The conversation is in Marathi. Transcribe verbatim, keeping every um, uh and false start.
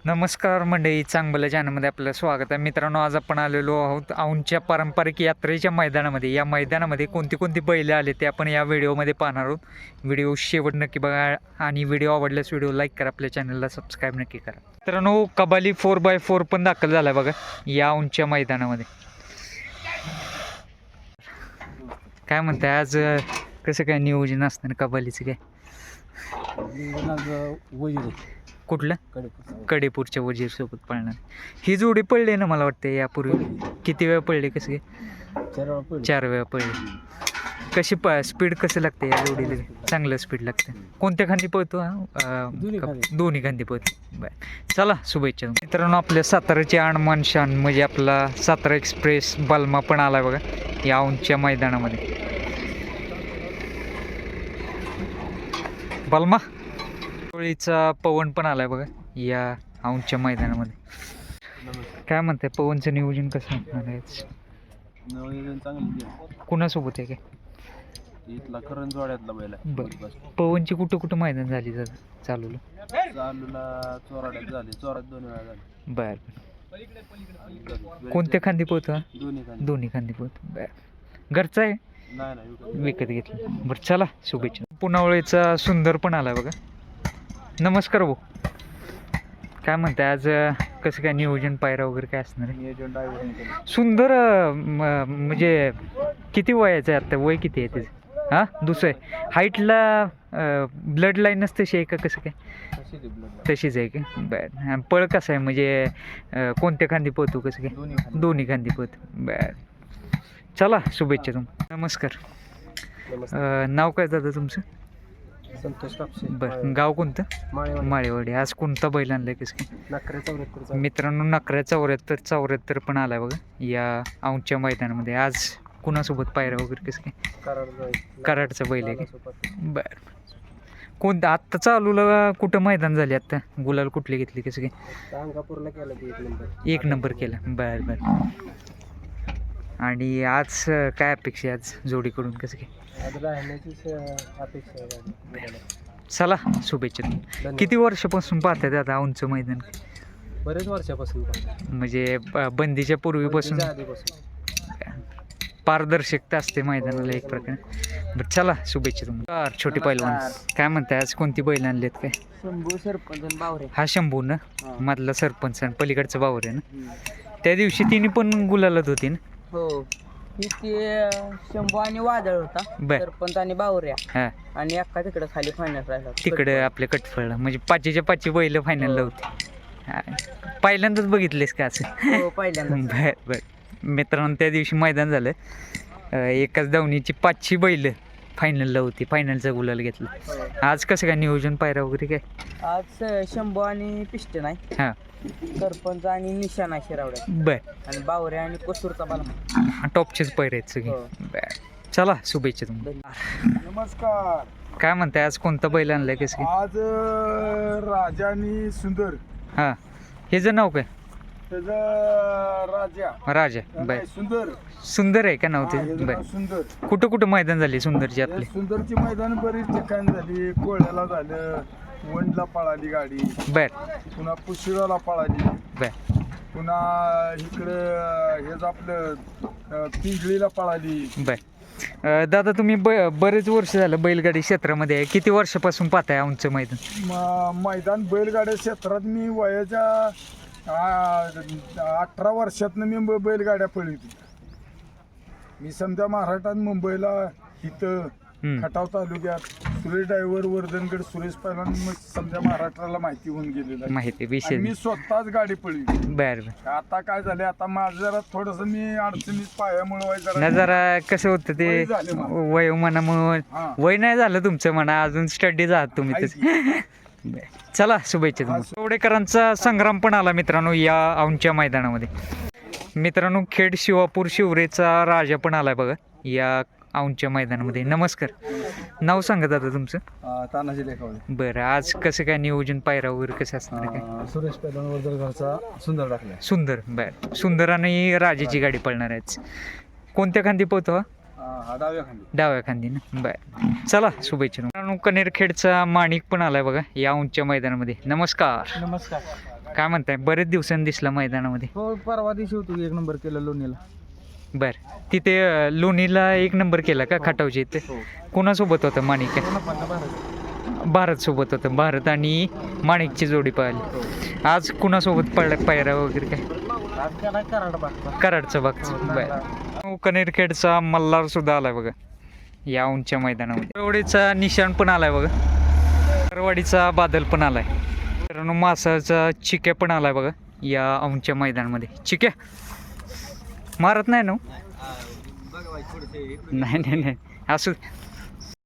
नमस्कार मंडळी, चांगलं चॅनलमध्ये आपलं स्वागत आहे. मित्रांनो, आज आपण आलेलो आहोत औंधच्या पारंपरिक यात्रेच्या मैदानामध्ये. या मैदानामध्ये कोणती कोणती बैलं आले ते आपण या व्हिडिओमध्ये पाहणार आहोत. व्हिडिओ शेवट नक्की बघा आणि व्हिडिओ आवडल्यास व्हिडिओ लाईक करा, आपल्या चॅनलला सबस्क्राईब नक्की करा. मित्रांनो, कबाली फोर बाय फोर पण दाखल झाला आहे बघा या औंधच्या मैदानामध्ये. काय म्हणताय आज कसं काय नियोजन असतं ना कबालीचं? काय कुठलं? कडेपूरच्या वजीर सोबत पळणार. ही जोडी पडली ना मला वाटते यापूर्वी. किती वेळा पडली? कसं काय? चार वेळा पडली. कशी प स्पीड कसं लागते या जोडीला? चांगलं स्पीड लागतं. कोणत्या खांदी पळतो हा? दोन्ही खांदी पळतो. बर, चला शुभेच्छा मित्रांनो. आपल्या साताराची आणमान शान म्हणजे आपला सातारा एक्सप्रेस बलमा पण आलाय बघा या औंधच्या मैदानामध्ये. बलमा चा पवन पण आलाय बघा या औंधच्या मैदानामध्ये. काय म्हणताय, पवनचं नियोजन कसं असणार आहे? नियोजन चांगलं. कुणासोबत आहे? काय इथला करंजवाड्यातला बैल आहे. बरं, पवनची कुठं कुठं मैदान झाली चालूला? चालूला चोराड्यात झाली, चोरात दोन वेळा झाली. बर, कोणत्या खांदी पोहतो हा? दोन्ही खाली. दोन्ही खांदी पोहतो. बर, घरचा आहे? नाही नाही, विकत घेतलं. बरं, चला शुभेच्छा. पुनावळेचा सुंदर पण आलाय बघा. नमस्कार भाऊ, काय म्हणताय आज कसं काय नियोजन पायरा वगैरे काय असणार आहे? नियोजन ड्रायव्हर सुंदर म्हणजे किती वयाचं आहे आता? वय किती आहे त्याचं? हां, दुसरं आहे. हाईटला ब्लड लाईनच तशी आहे का? कसं काय? तशीच आहे का? बरं, पळ कसं आहे म्हणजे कोणत्या खांदी पोहतो? कसं काय? दोन्ही खांदी पोहतो. बरं, चला शुभेच्छा तुम्हाला. नमस्कार, नाव काय दादा तुमचं? संतोष कापसे. बरं, गाव कोणतं? माळेवाडी. आज कोणता बैल आणलाय? कसं काय? नकऱ्या चौऱ्याहत्तर. मित्रांनो, नकऱ्या चौऱ्याहत्तर चौऱ्याहत्तर पण आलाय बघा या औंधच्या मैदानामध्ये. आज कुणासोबत पायरा वगैरे कसं काय? कराडचा बैल आहे का? बरं, कोणतं आत्ता चालूला कुठं मैदान झाले आत्ता? गुलाल कुठली घेतली? कसं काय? अंगापूरला केलं की एक नंबर. एक नंबर केला. बरं बरं, आणि आज काय अपेक्षा आज जोडीकडून? कसं काय? चला शुभेच्छा. किती वर्षापासून पाहताय दादा औंधचं मैदान? बरेच वर्षापासून. म्हणजे बंदीच्या पूर्वीपासून पारदर्शकता असते मैदानाला एक प्रकारे. बरं, चला शुभेच्छा तुम्हाला. छोटी पैलवान, काय म्हणताय आज कोणती बैल आणलीत? काय? शंभू सरपंच बावरे. हा शंभू ना, मधला सरपंच आणि पलीकडचं बावरे ना. त्या दिवशी तिने पण गुलालत होती ना? हो, ते शंभू आणि वादळ होता. सरपंच आणि बावऱ्या. हा, आणि अक्का तिकडे खाली फायनल राहिला. तिकडे आपल्या कटफळला म्हणजे पाचीच्या पाचवी बैल फायनलला होती. पहिल्यांदाच बघितलेस का असं? हो, पहिल्यांदा. बर बर, मित्रांनो त्या दिवशी मैदान झालं. एकाच दावणीची पाचशे बैल फायनलला होती. फायनलचा गुलाल घेतला. आज कसं काय नियोजन पायरा वगैरे काय? आज शंभू आणि पिस्टन आहे. हां, सरपंच आणि निशाणा शिरावड्या. बर, आणि बावऱ्या आणि कोसूरचा बालमा. टॉपचेच पैरे आहेत सगळे. बर, चला शुभेच्छा तुम्हाला. नमस्कार, काय म्हणताय आज कोणता बैल आणलाय? कसं काय? आज राजा आणि सुंदर. हां, ह्याचं नाव काय? त्याचा राजा राजा. बर, सुंदर. सुंदर आहे का नाव ते? बर, सुंदर. कुठं कुठं मैदान झाली सुंदरची आपली? सुंदरची मैदान बरीच ठिकाणी झाली. कोळ्याला झालं, वंडला पळाली गाडी. बर, पुन्हा पुशिराला पळाली. बर, पुन्हा इकडं हेच आपलं पिंजळीला पळाली. बर, दादा तुम्ही ब बरेच वर्ष झालं बैलगाडी क्षेत्रामध्ये आहे. किती वर्षापासून पाहताय औंधचं मैदान? मैदान बैलगाड्या क्षेत्रात मी वयाच्या अठरा वर्षातनं मी बैलगाड्या पळवली. मी समजा महाराष्ट्रात मुंबईला इथं खटाव तालुक्यात सुरेश ड्रायव्हर वर्धनगड सुरेश पहिलवान समजा महाराष्ट्राला माहिती होऊन गेलेलं माहिती विषय. मी स्वतःच गाडी पळली. बर, आता काय झाले, आता माझं जरा थोडस मी अडचणीत पायामुळे जरा जरा कसं होतं ते वय मनामुळे. वय नाही झालं तुमचं म्हणा, अजून स्टडी आहात तुम्ही तसे. चला शुभेच्छा तुम्हाला. चौडेकरांचा संग्राम पण आला मित्रांनो या औंधच्या मैदानामध्ये. मित्रांनो, खेड शिवापूर शिवरेचा राजा पण आलाय बघा या औंधच्या मैदानामध्ये. नमस्कार, नाव सांगा दादा तुमचं? तानाजी लेखावले. बरं, आज कसं काय नियोजन पायरा वगैरे कसं असणार काय? सुरेश पहिलवान वर्धनगडचा सुंदर टाकलाय. सुंदर. बरं, सुंदर आणि राजाची गाडी पळणार आहे. कोणत्या खांदी पोहतो? डाव्या खांदी. डाव्या खांदी ना. बरं, चला शुभेच्छा. कनेरखेडचा माणिक पण आलाय बघा या औंधच्या मैदानामध्ये. नमस्कार, नमस्कार. काय म्हणताय बरेच दिवसांनी दिसला मैदानामध्ये. हो परवा दिवशी होतो एक नंबर केलं लोणीला. बर तिथे अं, लोणीला एक नंबर केला का खटावच्या इथे? कोणासोबत होतं माणिक? भारत सोबत होतं. भारत आणि माणिकची जोडी पाहिली. आज कुणासोबत पडला पायरा वगैरे काय? कराडचा बागचा. बर कनेरखेडचा मल्हार सुद्धा आलाय बघा या उंच्या मैदानामध्ये. करवाडीचा निशाण पण आलाय बघा. करवाडीचा बादल पण आलाय. मित्रांनो मासाचा चिक्या पण आलाय बघा या उंच्या मैदानामध्ये. चिक्या मारत नाही ना? नाही नाही नाही असू